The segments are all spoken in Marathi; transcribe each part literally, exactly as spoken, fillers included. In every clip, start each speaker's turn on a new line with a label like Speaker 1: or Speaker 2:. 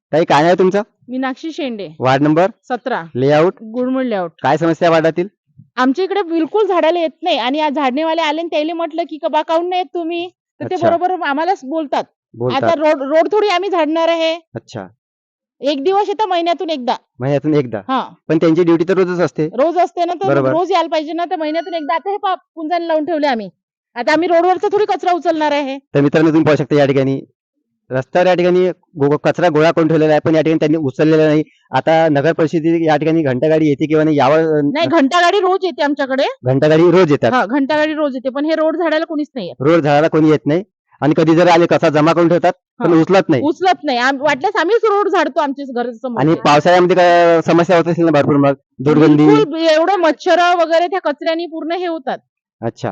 Speaker 1: ताई काय नाव आहे तुमचं?
Speaker 2: मीनाक्षी शेंडे,
Speaker 1: वार्ड नंबर
Speaker 2: सतरा,
Speaker 1: लेआउट.
Speaker 2: गुळमुळ लेआउट.
Speaker 1: काय समस्या आहे वार्डातील?
Speaker 2: आमच्या इकडे बिलकुल झाडाला येत नाही आणि आज झाडणेवाले आले आणि त्याला म्हटलं की बा काऊन नाही येत तुम्ही, तर ते
Speaker 1: अच्छा.
Speaker 2: बरोबर आम्हालाच बोलतात. आता
Speaker 1: बोलतात.
Speaker 2: रोड रोड थोडी आम्ही झाडणार आहे.
Speaker 1: अच्छा.
Speaker 2: एक दिवस येतं महिन्यातून एकदा.
Speaker 1: महिन्यातून एकदा.
Speaker 2: हा,
Speaker 1: पण त्यांची ड्युटी तर रोजच असते.
Speaker 2: रोज असते ना, तर
Speaker 1: बरोबर.
Speaker 2: रोज यायला पाहिजे ना, तर महिन्यातून एकदा. आता हे पहा पुंजाने लावून ठेवले आम्ही. आता आम्ही रोडवरचा थोडी कचरा उचलणार आहे.
Speaker 1: तर मित्रांनो तुम्ही पाहू शकता या ठिकाणी रस्त्यावर या ठिकाणी गो- कचरा गोळा करून ठेवलेला आहे, पण या ठिकाणी त्यांनी उचललेला नाही. आता नगर परिषदेची या ठिकाणी घंटागाडी येते किंवा नाही यावर
Speaker 2: नाही, घंटागाडी रोज येते आमच्याकडे.
Speaker 1: घंटागाडी रोज येतात.
Speaker 2: हा, घंटागाडी रोज येते, पण हे रोड झाडायला कोणीच नाही येत.
Speaker 1: रोड झाडाला कोणी येत नाही आणि कधी जर आले कचरा जमा करून ठेवतात पण
Speaker 2: हा.
Speaker 1: उचलत नाही.
Speaker 2: उचलत नाही. आम- वाटल्यास आम्हीच रोड झाडतो आमच्या घरासमोर.
Speaker 1: आणि पावसाळ्यामध्ये काय समस्या होत असेल ना भरपूर, मग दुर्गंधी.
Speaker 2: बिलकुल एवढं मच्छर वगैरे त्या कचऱ्याने पूर्ण हे होतात.
Speaker 1: अच्छा.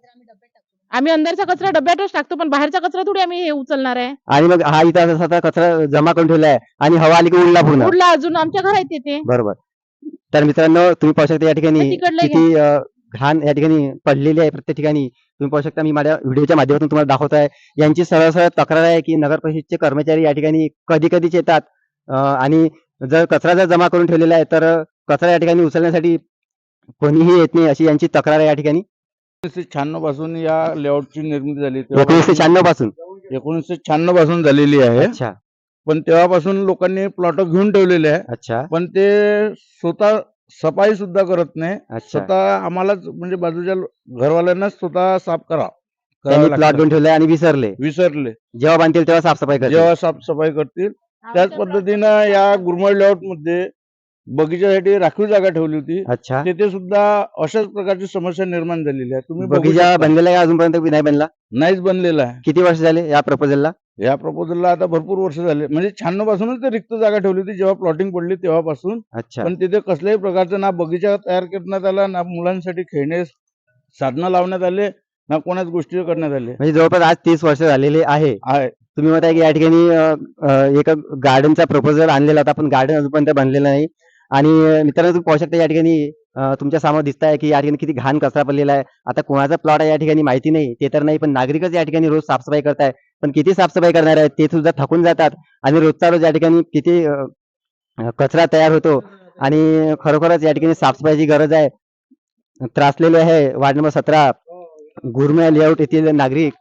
Speaker 2: आम्ही अंदरचा कचरा डब्यातच टाकतो, पण बाहेरचा कचरा थोडी आम्ही हे उचलणार आहे.
Speaker 1: आणि मग हा इथं असा कचरा जमा करून ठेवला आहे आणि हवा आली की उडला पूर्ण.
Speaker 2: उडला अजून आमच्या घरात येते.
Speaker 1: बरोबर. तर मित्रांनो तुम्ही पाहू शकता या ठिकाणी
Speaker 2: तिकडलं
Speaker 1: किती अ, घाण या ठिकाणी पडलेली आहे प्रत्येक ठिकाणी. तुम्ही पाहू शकता, मी माझ्या व्हिडिओच्या माध्यमातून तुम्हाला दाखवत आहे. यांची सरळ सरळ तक्रार आहे की नगर परिषदेचे कर्मचारी या ठिकाणी कधी कधीच येतात अ, आणि जर कचरा जर जमा करून ठेवलेला आहे तर कचरा या ठिकाणी उचलण्यासाठी कोणीही येत नाही, अशी यांची तक्रार आहे या ठिकाणी.
Speaker 3: एकोणीसशे शहाण्णव पासून या लेआउटची निर्मिती झाली.
Speaker 1: एकोणीसशे शहाण्णव पासून.
Speaker 3: एकोणीसशे शहाण्णव पासून झालेली आहे.
Speaker 1: अच्छा.
Speaker 3: पण तेव्हापासून लोकांनी प्लॉट घेऊन ठेवलेले आहे.
Speaker 1: अच्छा.
Speaker 3: पण ते स्वतः सफाई सुद्धा करत नाही.
Speaker 1: अच्छा.
Speaker 3: स्वतः आम्हालाच म्हणजे बाजूच्या घरवाल्यांनाच स्वतः साफ करा
Speaker 1: त्यांनी
Speaker 3: करावं
Speaker 1: प्लॉट
Speaker 3: लागतं.
Speaker 1: घेऊन ठेवले आणि विसरले.
Speaker 3: विसरले.
Speaker 1: जेव्हा बांधतील तेव्हा साफसफाई करतील.
Speaker 3: जेव्हा साफसफाई करतील त्याच पद्धतीनं या गुरमळ लेआउट मध्ये बगीच्यासाठी राखीव जागा ठेवली होती.
Speaker 1: अच्छा.
Speaker 3: तिथे सुद्धा अशाच प्रकारची समस्या निर्माण झालेली आहे. तुम्ही बघू
Speaker 1: बगीचा
Speaker 3: शकता.
Speaker 1: बनलेला आहे अजूनपर्यंत की नाही बनला?
Speaker 3: नाहीच बनलेला आहे.
Speaker 1: किती वर्ष झाले या प्रपोजलला?
Speaker 3: या प्रपोजलला आता भरपूर वर्ष झाले, म्हणजे शहाण्णव पासूनच ते रिक्त जागा ठेवली होती जेव्हा प्लॉटिंग पडली तेव्हापासून.
Speaker 1: अच्छा.
Speaker 3: पण तिथे कसल्याही प्रकारचं ना बगीचा तयार करण्यात आला, ना मुलांसाठी खेळणे साधनं लावण्यात आले, ना कोणाच गोष्टी करण्यात आले
Speaker 1: म्हणजे जवळपास आज तीस वर्ष झालेले आहे.
Speaker 3: आहे.
Speaker 1: तुम्ही म्हणताय की या ठिकाणी अ, अ, एक गार्डनचा प्रपोजल आणलेला होता, पण गार्डन अजूनपर्यंत बनलेलं नाही. आणि अ, मित्रांनो तुम्ही पाहू शकता या ठिकाणी अ, तुमच्या समोर दिसत आहे की या ठिकाणी किती घाण कचरा पडलेला आहे. आता कोणाचा प्लॉट आहे या ठिकाणी माहिती नाही, ते तर नाही, पण नागरिकच या ठिकाणी रोज साफसफाई करताय. पण किती साफसफाई करणार आहेत ते सुद्धा थकून जातात आणि रोजचा रोज या ठिकाणी किती अ, अ, कचरा तयार होतो आणि खरोखरच या ठिकाणी साफसफाईची गरज आहे. त्रासलेले आहे वार्ड नंबर सतरा गुरमे लेआउट येथील नागरिक.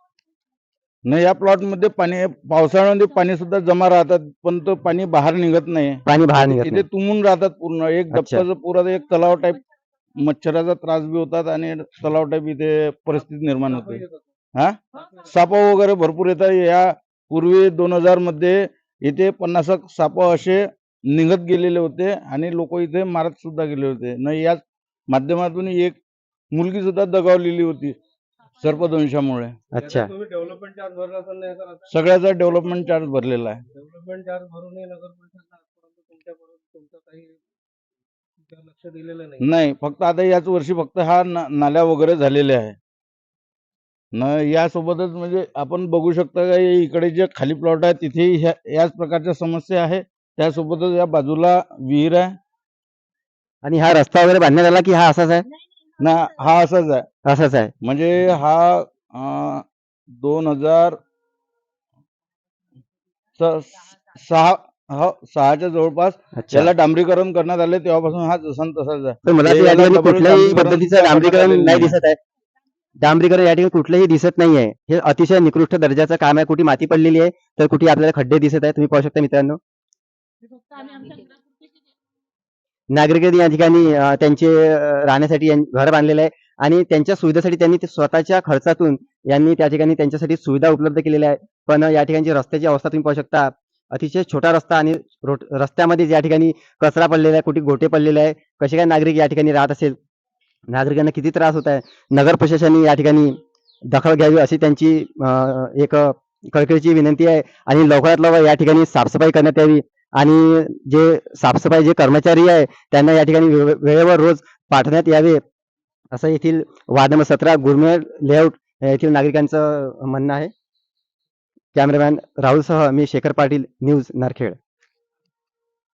Speaker 3: न या प्लॉट मध्ये पाणी पावसाळ्यामध्ये पाणी सुद्धा जमा राहतात, पण तो पाणी बाहेर निघत नाही.
Speaker 1: पाणी बाहेर निघत
Speaker 3: इथे
Speaker 1: नाही.
Speaker 3: तुंबून राहतात पूर्ण. एक
Speaker 1: अच्छा.
Speaker 3: डबकाचं पुरा एक तलाव टाईप मच्छराचा त्रास बी होतात आणि तलाव टाईप इथे परिस्थिती निर्माण होते. हा, साप वगैरे भरपूर येतात. या पूर्वी दोन हजार मध्ये इथे पन्नास साप असे निघत गेलेले होते आणि लोक इथे मारत सुद्धा गेले होते. न याच माध्यमातून एक मुलगी सुद्धा दगावलेली होती सर्पदंशामुळे.
Speaker 1: अच्छा.
Speaker 4: डेव्हलपमेंट चार्ज भरला असेल नाही सर?
Speaker 3: सगळ्याचा डेव्हलपमेंट चार्ज भरलेला आहे.
Speaker 4: डेव्हलपमेंट चार्ज भरूनही नगर परिषदला आजपर्यंत तुमच्यापर्यंत तुमचं काही त्यावर लक्ष दिलेलं नाही.
Speaker 3: नाही, फक्त आता याच वर्षी फक्त हा न- नाल्या वगैरे झालेले आहे. न यासोबतच म्हणजे आपण बघू शकता का इकडे जे खाली प्लॉट आहे तिथे याच प्रकारच्या समस्या आहे. त्यासोबतच या बाजूला विहीर आहे
Speaker 1: आणि हा रस्ता वगैरे बांधण्यात आला की हा असाच आहे?
Speaker 3: ना, हा असाच आहे.
Speaker 1: असाच आहे.
Speaker 3: म्हणजे हा अं, दोन हजार स- सहा हो, सहाच्या जवळपास
Speaker 1: अच्छा.
Speaker 3: याला डांबरीकरण करण्यात आले, तेव्हापासून हा जसा न तसाच आहे.
Speaker 1: पण मला
Speaker 3: हे
Speaker 1: तर या
Speaker 3: याला
Speaker 1: ठिकाणी
Speaker 3: डबल
Speaker 1: कुठल्याही
Speaker 3: डांबरीकरण
Speaker 1: पद्धतीचं
Speaker 3: सुद्धा
Speaker 1: डांबरीकरण
Speaker 3: करण्यात
Speaker 1: नाही
Speaker 3: आलेलं
Speaker 1: दिसत आहे. डांबरीकरण या ठिकाणी कुठलंही दिसत नाहीये. हे अतिशय निकृष्ट दर्जाचं काम आहे. कुठे माती पडलेली आहे तर कुठे आपल्याला खड्डे दिसत आहे. तुम्ही पाहू शकता मित्रांनो. नागरिकांनी या ठिकाणी अ, त्यांचे अ, राहण्यासाठी यां- घर बांधलेलं आहे आणि त्यांच्या सुविधेसाठी त्यांनी ते स्वतःच्या खर्चातून यांनी त्या ठिकाणी त्यांच्यासाठी सुविधा उपलब्ध केलेल्या आहे. पण या ठिकाणची रस्त्याची अवस्था तुम्ही पाहू शकता. अतिशय छोटा रस्ता आणि रोड रस्त्यामध्ये या ठिकाणी कचरा पडलेला आहे, कुठे गोटे पडलेले आहे. कसे काय नागरिक या ठिकाणी राहत असेल, नागरिकांना किती त्रास होत आहे. नगर प्रशासनाने या ठिकाणी दखल घ्यावी अशी त्यांची अ, एक कळकळीची विनंती आहे आणि लवकरात लवकर या ठिकाणी साफसफाई करण्यात यावी आणि जे साफसफाई जे कर्मचारी आहे त्यांना या ठिकाणी वेळे- वेळेवर रोज पाठवण्यात यावे असं येथील वार्ड नंबर सतरा गुरमे लेआउट येथील नागरिकांचं म्हणणं आहे. कॅमेरामॅन राहुलसह मी शेखर पाटील, न्यूज नारखेड.